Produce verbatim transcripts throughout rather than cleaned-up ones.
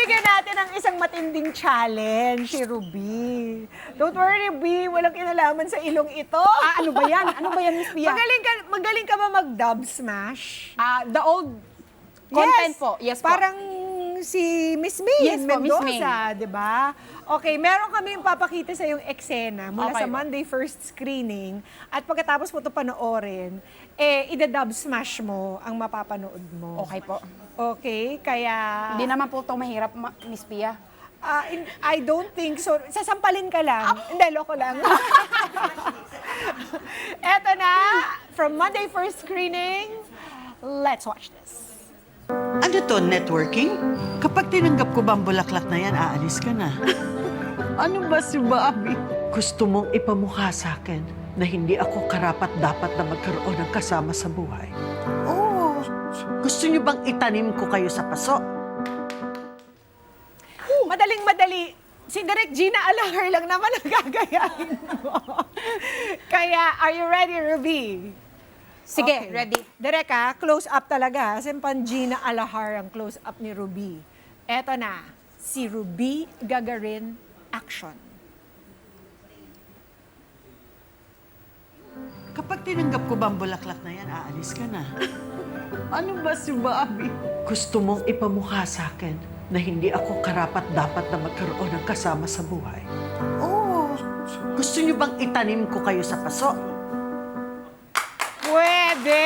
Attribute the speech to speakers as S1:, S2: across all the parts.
S1: Bibigyan natin ng isang matinding challenge si Ruby. Don't worry, Ruby. Walang kinalaman sa ilong ito.
S2: Ah, ano ba yan? Ano ba yan, Miss Pia?
S1: Magaling ka, magaling ka ba mag-dub smash?
S2: Ah, the old content po. Yes po.
S1: Parang si Miss May
S2: Yes po, Miss
S1: Mendoza, di ba? Okay, meron kami yung papakita sa yung eksena mula
S2: Okay
S1: sa
S2: po.
S1: Monday first screening at pagkatapos mo ito panoorin, eh, ida-dub smash mo ang mapapanood mo.
S2: Okay po.
S1: Okay, kaya...
S2: Hindi naman po ito mahirap, ma- Miss Pia.
S1: Ah, in- I don't think so. Sasampalin ka lang. Hindi, loko lang. Eto na, from Monday first screening, let's watch this.
S3: Ano to, networking? Kapag tinanggap ko ba ang bulaklak na yan, aalis ka na. Ano ba si Bobby? Gusto mong ipamukha sa akin na hindi ako karapat-dapat na magkaroon ng kasama sa buhay? Oo. Gusto niyo bang itanim ko kayo sa paso?
S1: Madaling-madali. Si Direk Gina Alahar lang naman ang gagayahin mo. Kaya, are you ready, Ruby?
S2: Sige,
S1: Okay.
S2: ready.
S1: Direk ha, close up talaga. Kasi pan Gina Alahar ang close up ni Ruby. Eto na, si Ruby Gagarin, action.
S3: Kapag tinanggap ko ba ang bulaklak na yan, aalis ka na. Ano ba si Bobby? Gusto mong ipamukha sa akin na hindi ako karapat-dapat na magkaroon ng kasama sa buhay? Oo. Gusto niyo bang itanim ko kayo sa paso?
S1: Pwede!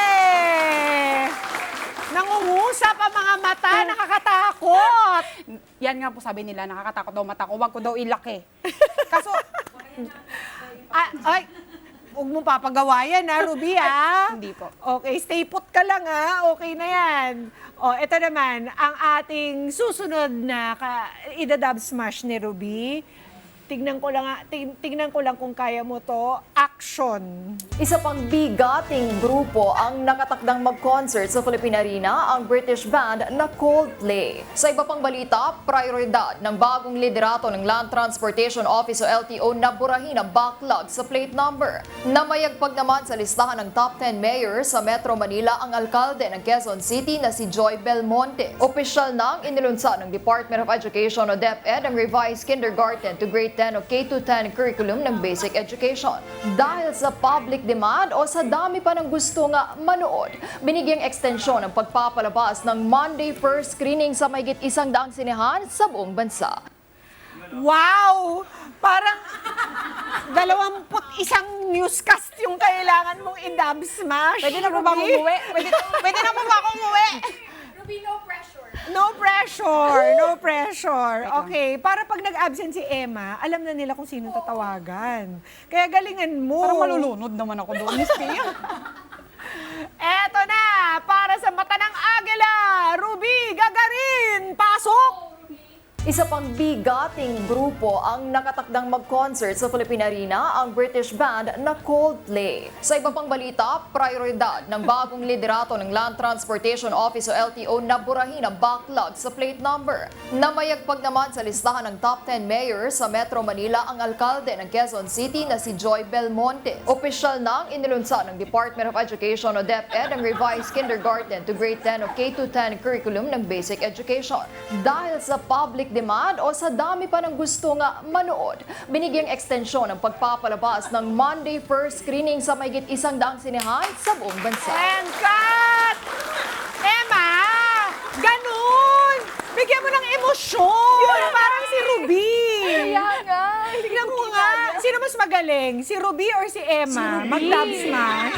S1: Nangungusap ang mga mata, nakakatakot!
S2: Yan nga po sabi nila, nakakatakot daw mata ko. Huwag ko daw ilaki. Kaso,
S1: Ah, ay, huwag mong papagawa yan ha, Ruby ha?
S2: Hindi po.
S1: Okay, stay put ka lang ha. Okay na yan. O, ito naman, ang ating susunod na ka, idadub smash ni Ruby. Tignan ko lang, ha- ting- tignan ko lang kung kaya mo to. Action!
S4: Isa pang bigating grupo ang nakatakdang mag-concert sa Philippine Arena, ang British band na Coldplay. Sa iba pang balita, prioridad ng bagong liderato ng Land Transportation Office o L T O na burahin ang backlog sa plate number. Namayagpag naman sa listahan ng top ten mayors sa Metro Manila ang alkalde ng Quezon City na si Joy Belmonte. Opisyal nang inilunsad ng Department of Education o DepEd ang revised kindergarten to grade ten o K to ten curriculum ng basic education. Dahil sa public demand o sa dami pa ng gusto nga manood, binigyang ekstensyon ang pagpapalabas ng Monday first screening sa mahigit isang daang sinehan sa buong bansa.
S1: Wow! Parang dalawamput isang newscast yung kailangan mong i-dub smash.
S2: pwede na po ba akong
S1: Ruby?
S2: umuwi? Pwede, pwede na po ba akong umuwi?
S1: No pressure, no pressure. Okay, para pag nag-absent si Emma, alam na nila kung sino tatawagan. Kaya galingan mo.
S2: Parang malulunod naman ako doon, Miss Pia.
S1: Eto na, para sa mata ng Agila, Ruby Gagarin, pasok!
S4: Isa pang bigating grupo ang nakatakdang mag-concert sa Philippine Arena, ang British band na Coldplay. Sa iba pang balita, prioridad ng bagong liderato ng Land Transportation Office o L T O na burahin ang backlog sa plate number. Namayagpag naman sa listahan ng top ten mayors sa Metro Manila ang alkalde ng Quezon City na si Joy Belmonte. Opisyal nang inilunsad ng Department of Education o DepEd ang revised kindergarten to grade ten o K to ten curriculum ng basic education. Dahil sa public demand o sa dami pa ng gusto nga manood, binigyang ekstensyon ang pagpapalabas ng Monday first screening sa mahigit isang daang sinehan sa buong bansa.
S1: And cut! Emma! Ganun! Bigyan mo ng emosyon! Parang si Ruby!
S4: Kaya nga,
S1: Tignan mo nga. Sino mas magaling? Si Ruby or si Emma? Mag-dub smash?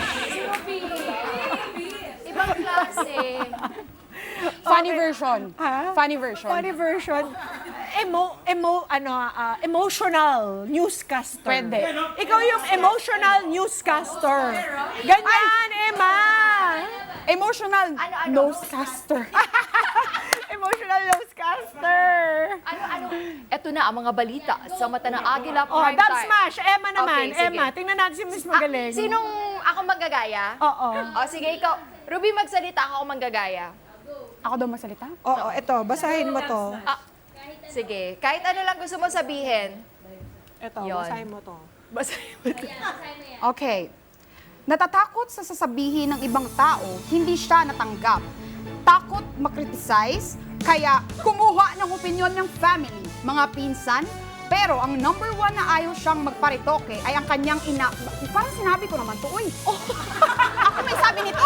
S4: ibang klase.
S2: Funny version.
S1: Ha?
S2: Funny version.
S1: Funny version. Emo, emo, ano, ah, emotional newscaster.
S2: Pwede.
S1: Ikaw yung emotional newscaster. Ganyan, Emma!
S2: Emotional
S4: Ano-ano?
S2: nosecaster.
S1: Emotional newscaster.
S4: Ano-ano? Eto na ang mga balita sa mata ng Agila
S1: Oh,
S4: Prime
S1: dub
S4: Time.
S1: smash. Emma naman.
S4: Okay, sige.
S1: Emma, tingnan natin si Miss
S4: Ah,
S1: Magaling.
S4: sinong ako magagaya?
S1: Oo.
S4: O sige, ikaw. Ruby, magsalita ako manggagaya.
S2: Ako daw magsalita?
S1: Oo, ito. Basahin mo to.
S4: Ah, sige. Kahit ano lang gusto mo sabihin.
S1: Ito,
S4: Yun.
S1: basahin mo to. Basahin mo to.
S2: Okay. Natatakot sa sasabihin ng ibang tao, hindi siya natanggap. Takot makriticize, Kaya kumuha ng opinyon ng family, mga pinsan, pero ang number one na ayaw siyang magparitoke ay ang kanyang ina... Parang sinabi ko naman to, uy. Oh, ako may sabi nito.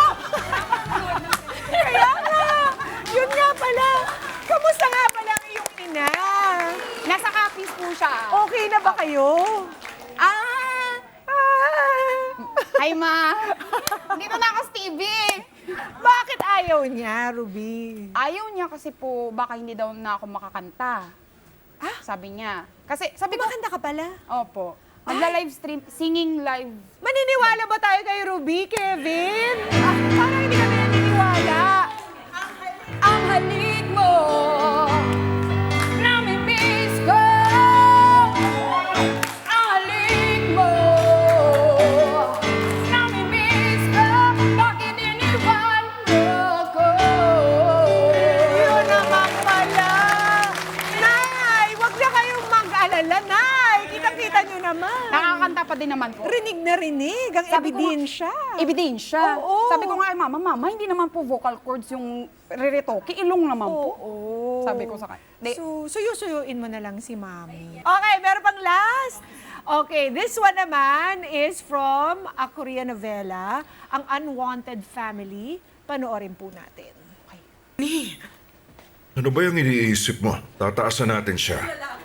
S1: Kaya nga, yun nga pala. Kamusta nga pala ang iyong ina?
S2: Nasa kapis po siya.
S1: Okay na ba kayo?
S2: Ah!
S1: Ah,
S2: Hi, ma. Dito na ako sa T V.
S1: bakit ayaw niya, Ruby?
S2: Ayaw niya kasi po, baka hindi daw na ako makakanta. Ah? Sabi niya. Kasi, sabi ko,
S1: Kumakanta ka pala?
S2: opo. Magla-live stream, singing live.
S1: Maniniwala ba tayo kay Ruby, Kevin? Ah, parang hindi kami naniniwala.
S2: Ang halik mo, namimiss ko. Ang halik mo, namimiss ko. Bakit iniwan mo ko?
S1: Yun naman pala. Nay, wag na kayong mag-alala, Nay. Kitang-kita nyo naman.
S2: Nakakanta pa din naman po.
S1: Rinig na rinig ang
S2: Sabi ko nga-
S1: ebidensya.
S2: Ebidensya.
S1: Oo.
S2: Sabi ko nga kay mama, mama, hindi naman po vocal cords yung riretoke, ilong naman po.
S1: Oo.
S2: Sabi ko sa kanya. Di-
S1: So, suyo-suyuin mo na lang si Mami. Okay, meron pang last. Okay, this one naman is from a Korean novela, Ang Unwanted Family. Panoorin po natin.
S5: Ano ba yung iniisip mo? Tataasan natin siya.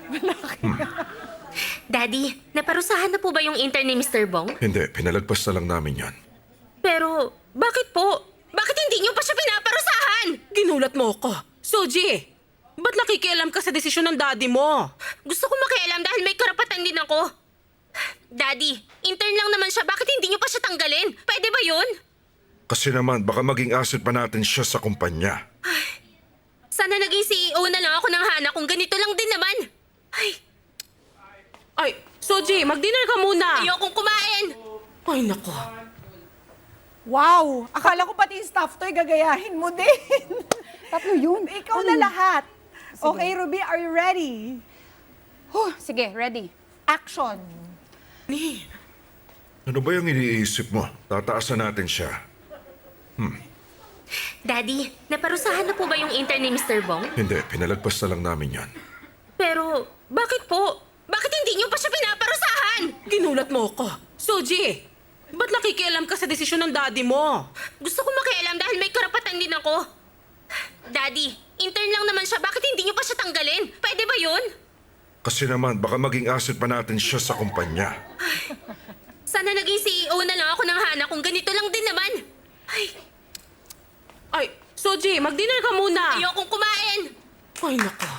S6: Daddy, naparusahan na po ba yung intern ni mister Bong?
S5: Hindi, pinalagpas na lang namin yan.
S6: Pero, bakit po? Bakit hindi niyo pa siya pinaparusahan?
S7: Ginulat mo ko. Soji, ba't nakikialam ka sa desisyon ng daddy mo?
S6: Gusto ko makialam dahil may karapatan din ako. Daddy, intern lang naman siya. Bakit hindi niyo pa siya tanggalin? Pwede ba yun?
S5: Kasi naman, baka maging asset pa natin siya sa kumpanya.
S6: Sana naging C E O na lang ako ng Hana kung ganito lang din naman. Ay,
S7: Ay, Soji, mag-dinner ka muna.
S6: ayokong kumain.
S7: Ay, nako.
S1: Wow! Akala ko pati yung staff to'y gagayahin mo din.
S2: Tatlo yun.
S1: Ikaw na lahat. Okay, Ruby, are you ready?
S2: Huh, sige, ready.
S1: Action!
S5: Ano ba yung iniisip mo? Tataasan natin siya.
S6: Daddy, naparusahan na po ba yung intern ni mister Bong?
S5: Hindi, pinalagpas na lang namin yan.
S6: Pero, bakit po? Bakit hindi niyo pa siya pinaparusahan?
S7: Ginulat mo ko. Soji, ba't nakikialam ka sa desisyon ng daddy mo?
S6: Gusto ko makialam dahil may karapatan din ako. Daddy, intern lang naman siya. Bakit hindi niyo pa siya tanggalin? Pwede ba yun?
S5: Kasi naman, baka maging asset pa natin siya sa kumpanya.
S6: Sana naging C E O na lang ako ng Hana kung ganito lang din naman. Ay,
S7: Ay, Soji, mag-dinner ka muna.
S6: ayokong kumain.
S7: Ay, nako.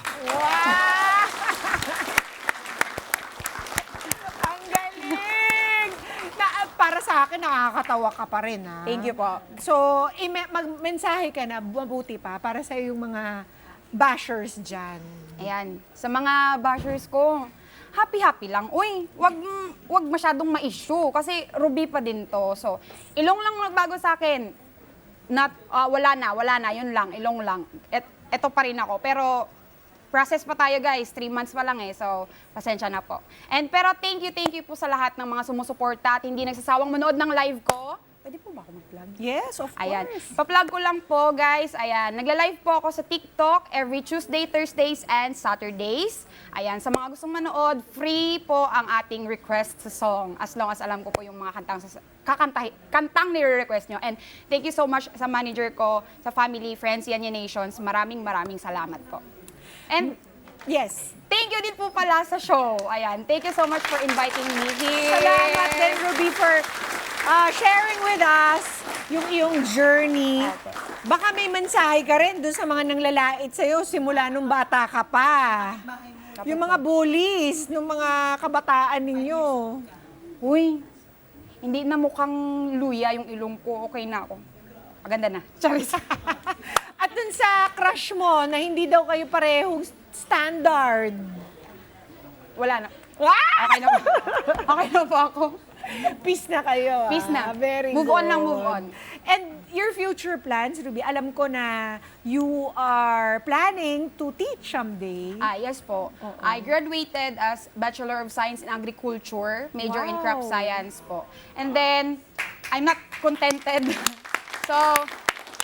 S1: Ang galing! Na, para sa akin, nakakatawa ka pa rin, ha?
S2: Thank you po.
S1: So, ime- magmensahe ka na, mabuti pa, para sa yung mga bashers dyan.
S2: Ayan, sa mga bashers ko, happy-happy lang. Uy, wag, wag masyadong ma-issue kasi Ruby pa din to. So, ilong lang nagbago sa akin. Not, ah, wala na, wala na, yun lang, ilong lang. Et, eto pa rin ako. Pero, process pa tayo guys, three months pa lang eh. So, pasensya na po. And pero thank you, thank you po sa lahat ng mga sumusuporta at hindi nagsasawang manood ng live ko. Pwede po ba ako mag-vlog?
S1: Yes, of
S2: Ayan.
S1: course.
S2: Pa-plug ko lang po, guys. Ayan. Nagla-live po ako sa TikTok every Tuesday, Thursdays, and Saturdays. Ayan. Sa mga gustong manood, free po ang ating request sa song. As long as alam ko po yung mga kantang, sa- kakantay, kantang nire-request nyo. And thank you so much sa manager ko, sa family, friends, Yanya Nations. Maraming maraming salamat po. And
S1: Yes.
S2: thank you din po pala sa show. Ayan. Thank you so much for inviting me here.
S1: Salamat din, Ruby, for uh, sharing with us yung iyong journey.
S2: Okay.
S1: Baka may mensahe ka rin dun sa mga nanglalait sa'yo simula nung bata ka pa. Yung mga bullies, nung mga kabataan ninyo.
S2: Uy, hindi na mukhang luya yung ilong ko. Okay na ako. Maganda na. Charis.
S1: At dun sa crush mo na hindi daw kayo parehong standard.
S2: Wala na.
S1: Ah!
S2: Okay na po. Okay na po ako.
S1: Peace na kayo.
S2: Peace
S1: ah.
S2: na.
S1: Very
S2: Move
S1: good.
S2: on lang, move on.
S1: And your future plans, Ruby, alam ko na you are planning to teach someday.
S2: Ah, yes po. I graduated as Bachelor of Science in Agriculture, major in crop
S1: Wow.
S2: science po. And then, I'm not contented. So,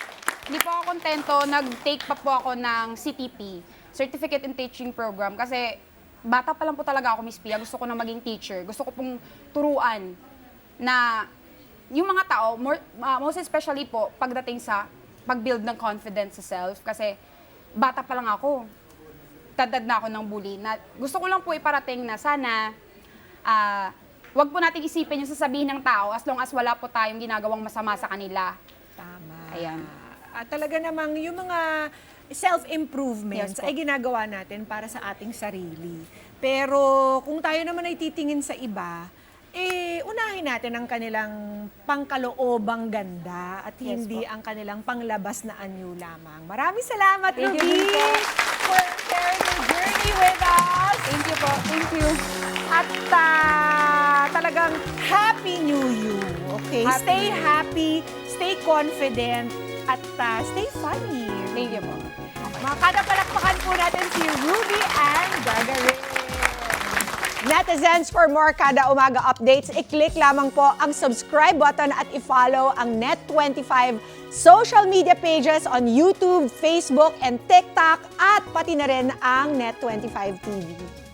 S2: Hindi po ako kontento. Nag-take pa po ako ng C T P, Certificate in Teaching Program. Kasi bata pa lang po talaga ako, Miss Pia. Gusto ko na maging teacher. Gusto ko pong turuan na yung mga tao, more, uh, most especially po, pagdating sa pag-build ng confidence sa self. Kasi bata pa lang ako. Tadad na ako ng bully. Na, gusto ko lang po iparating na sana ah, wag po natin isipin yung sasabihin ng tao as long as wala po tayong ginagawang masama sa kanila.
S1: Tama.
S2: Ayan.
S1: At talaga namang yung mga self-improvements
S2: Yes po.
S1: ay ginagawa natin para sa ating sarili. Pero kung tayo naman ay titingin sa iba, eh, unahin natin ang kanilang pangkaloobang ganda at
S2: Yes
S1: hindi
S2: po.
S1: ang kanilang panglabas na anyo lamang. Maraming salamat,
S2: Thank you
S1: Ruby,
S2: din po.
S1: for sharing your journey with us.
S2: Thank you po. Thank you.
S1: At ah, talagang Happy New You. Okay?
S2: Happy
S1: stay
S2: New Year.
S1: happy, stay confident, at ah, stay funny.
S2: Thank you po.
S1: Mga kadapalakpakan po natin si Ruby and Gagarin. Netizens, for more Kada Umaga updates, i-click lamang po ang subscribe button at i-follow ang Net twenty-five social media pages on YouTube, Facebook, and TikTok at pati na rin ang Net twenty-five T V.